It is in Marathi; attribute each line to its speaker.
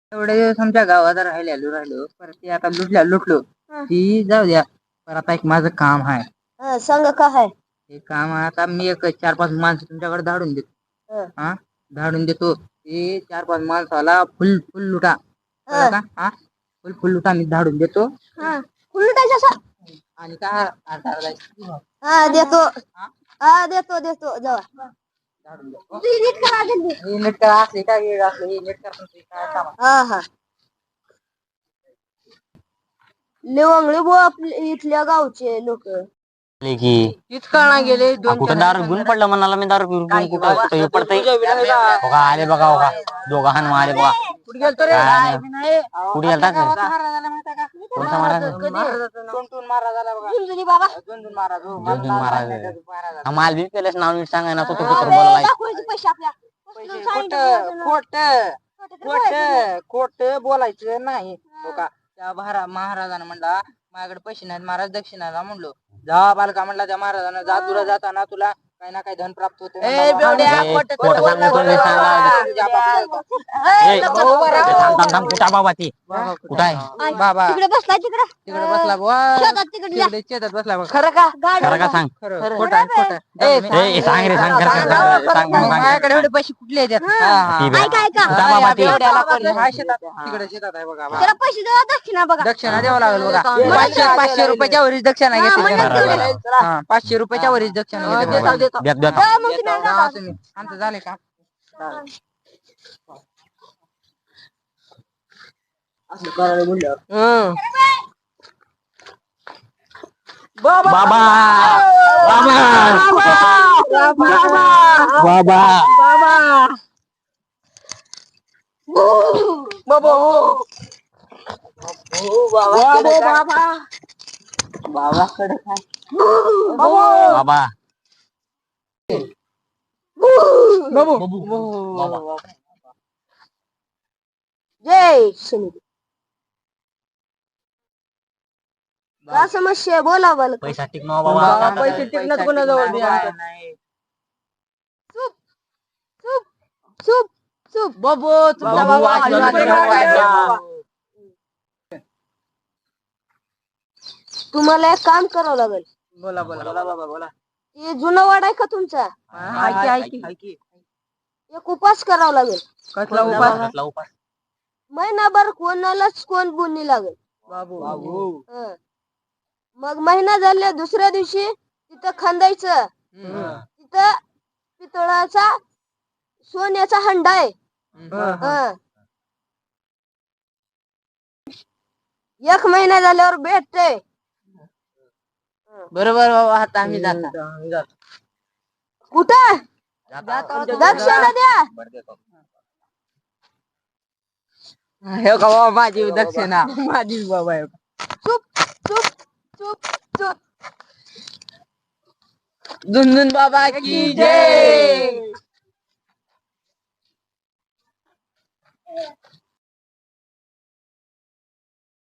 Speaker 1: एवढे दिवस आमच्या गावात राहिलो परत ते आता लुटलो ती जाऊ द्या. पण आता एक माझं काम आहे.
Speaker 2: सांग का आहे
Speaker 1: हे काम आता मी एक 4-5 माणसं तुमच्याकडे धाडून देतो. हा धाडून देतो ते 4-5 माणसाला फुल फुल लुटा. कळलं का? हा फुल लुटा मी धाडून देतो.
Speaker 2: फुल लुटायचं
Speaker 1: आणि काय
Speaker 2: देतो. देतो देतो जावा. नीट करा जल्दी.
Speaker 1: हे नीट करा असले काय हे असले हे नीट करा काय काम.
Speaker 2: हा लेवंगळे बुवा आपल्या इथल्या गावचे लोक
Speaker 3: की
Speaker 1: इतका गेले
Speaker 3: कुठं दारू घेऊन पडलं म्हणाला मी दारू पिऊन कुठं पडतंय बघा आले बघा बघा दोघं हान आले बघा
Speaker 1: कुठे गेलतो रे?
Speaker 3: कुठे गेलता का कोणता महाराज
Speaker 1: महाराजाला बघा.
Speaker 2: झुंझुनी बाबा
Speaker 1: दोन महाराज हो.
Speaker 3: दोन महाराज माल बी पेलेस नाव नीट सांगा ना तो बोलायला
Speaker 2: दाखवायचे पैसे आपल्या
Speaker 1: खोट बोलायचं नाही. हो का? त्या महाराजानं म्हणला माझ्याकडे पैसे नाहीत महाराज दक्षिणाला म्हणलो जा बालका म्हणला त्या महाराजांना जा तुला जाताना तुला काही ना काही धन प्राप्त होते.
Speaker 3: कुठा बाबा ती कुठं आहे
Speaker 1: बाबा
Speaker 2: तिकडे बसलाय
Speaker 1: तिकडे बसला बुवा तिकडे शेतात बसला बघ.
Speaker 2: खरं का
Speaker 3: खरं का सांग
Speaker 1: खरं खोटं आहे
Speaker 3: सांग रे सांग सांग
Speaker 1: माझ्याकडे एवढे पैसे कुठले येतात? तिकडे शेतात आहे बघा.
Speaker 2: त्याला पैसे द्या दक्षिणा बघा
Speaker 1: दक्षिणा द्यावं लागेल बघा. 500 रुपयाच्या वरीच दक्षिणा घेतली. 500 रुपयाच्या वरीच दक्षिणा घेतली. आमचं झाले का?
Speaker 3: बाबा बाबा
Speaker 2: जय शनी का समस्या बोला बोल
Speaker 3: पैसा टिकनो बाबा
Speaker 1: पैसे टिकणार कोणाजवळ नाही.
Speaker 2: चुप चुप चुप
Speaker 1: बाबू तुमचा बाबा
Speaker 2: तुम्हाला एक काम करावं लागेल.
Speaker 1: बोला बाबा बोला.
Speaker 2: ते जुना वाड आहे का तुमचा एक उपास करावा लागेल.
Speaker 1: कसला उपास?
Speaker 2: महिनाभर कोणालाच कोण बोलणी लागेल
Speaker 1: बाबू
Speaker 2: मग महिना झाल्या दुसऱ्या दिवशी तिथं खंदायचं. तिथं पितळाचा सोन्याचा हंडा आहे. एक महिना झाल्यावर भेटते.
Speaker 1: बरोबर बाबा आता आम्ही जातो.
Speaker 2: कुठं दक्षिणा द्या.
Speaker 1: हे का बाबा माझी दक्षिणा माझी बाबा.
Speaker 2: चुप चुप चुप चुप
Speaker 1: झुनझुन बाबा की जय.